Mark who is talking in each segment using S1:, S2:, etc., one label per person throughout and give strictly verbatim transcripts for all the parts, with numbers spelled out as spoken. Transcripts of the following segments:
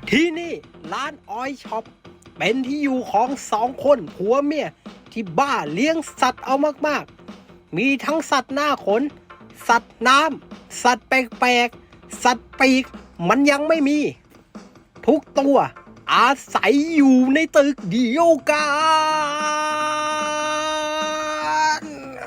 S1: ที่นี่ร้านออยช็อปเป็นที่อยู่ของสองคนผัวเมียที่บ้าเลี้ยงสัตว์เอามากๆมีทั้งสัตว์หน้าขนสัตว์น้ำสัตว์แปลกๆสัตว์ปีกมันยังไม่มีทุกตัวอาศัยอยู่ในตึกเดียวกัน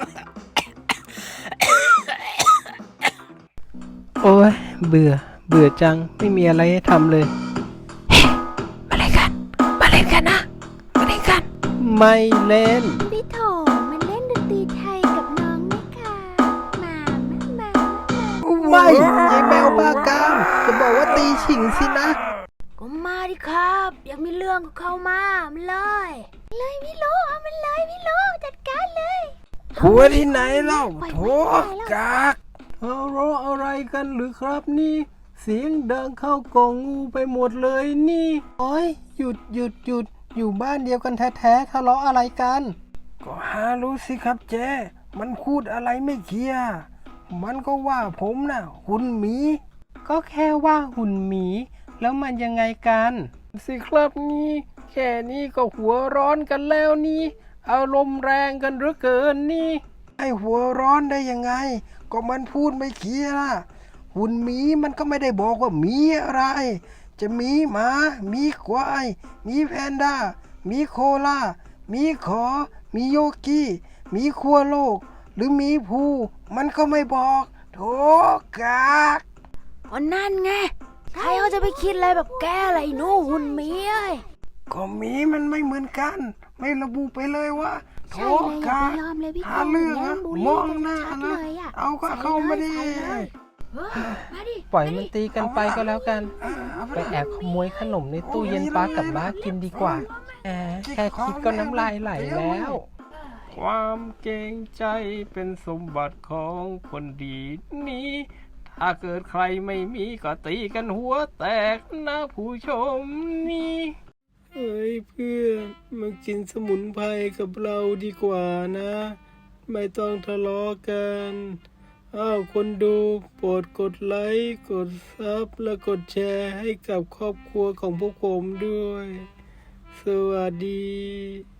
S1: โอ้ยเบื่อเบื่อจังไม่มีอะไรให้ทำเลยมาเล่นกันมาเล่นกันนะมาเล่นกันไม่เล่น
S2: พี่โถมันเล่นดนตรีไทยกับน้องไหมคะมามามา
S1: ไม่ยายแมวบ้ากามจะบอกว่าตีฉิงสินะ
S2: ก็มาดิครับอยากมีเรื่องกับเขามามันเลยเลยพี่โลเอามันเลยพี่โลจัดการเลย
S1: หัวที่ไหนเล่าโถกากทะเลาะอะไรกันหรือครับนี่เสียงดังเข้ากองงูไปหมดเลยนี่โอ้ยหยุดหยุดหยุดอยู่บ้านเดียวกันแท้ๆทะเลาะอะไรกันก็หารู้สิครับเจ๊มันพูดอะไรไม่เคลียร์มันก็ว่าผมน่ะหุ่นหมีก็แค่ว่าหุ่นหมีแล้วมันยังไงกันสิครับนี่แค่นี้ก็หัวร้อนกันแล้วนี่อารมณ์แรงกันเหลือเกินนี่ไอหัวร้อนได้ยังไงก็มันพูดไม่เคลียร์ล่ะหุ่นหมีมันก็ไม่ได้บอกว่ามีอะไรจะมีหมามีควายมีแพนด้ามีโคลามีขอมีโยกี้มีขั้วโลกหรือมีภูมันก็ไม่บอกโถกาก
S2: ก็นั่นไงใครเขาจะไปคิดอะไรแบบแกอะไรหนูหุ่นหมีเอ้ย
S1: ก็หมีมันไม่เหมือนกันไม่ระบุไปเลยว่าโถกากหาเรื่องนะมองหน้านะเอาก็เข้ามาดิปล่อยมันตีกันไปก็แล้วกันไปแอบขโมยขนมในตู้เย็นป้ากับบ้ากินดีกว่าแอบแค่คิดก็น้ำลายไหลแล้วความเกรงใจเป็นสมบัติของคนดีนี้ถ้าเกิดใครไม่มีก็ตีกันหัวแตกนะผู้ชมนี่เฮ้ยเพื่อนมากินสมุนไพรกับเราดีกว่านะไม่ต้องทะเลาะกันอ้าวคนดูโปรดกดไลค์กดซับและกดแชร์ให้กับครอบครัวของพวกผมด้วยสวัสดี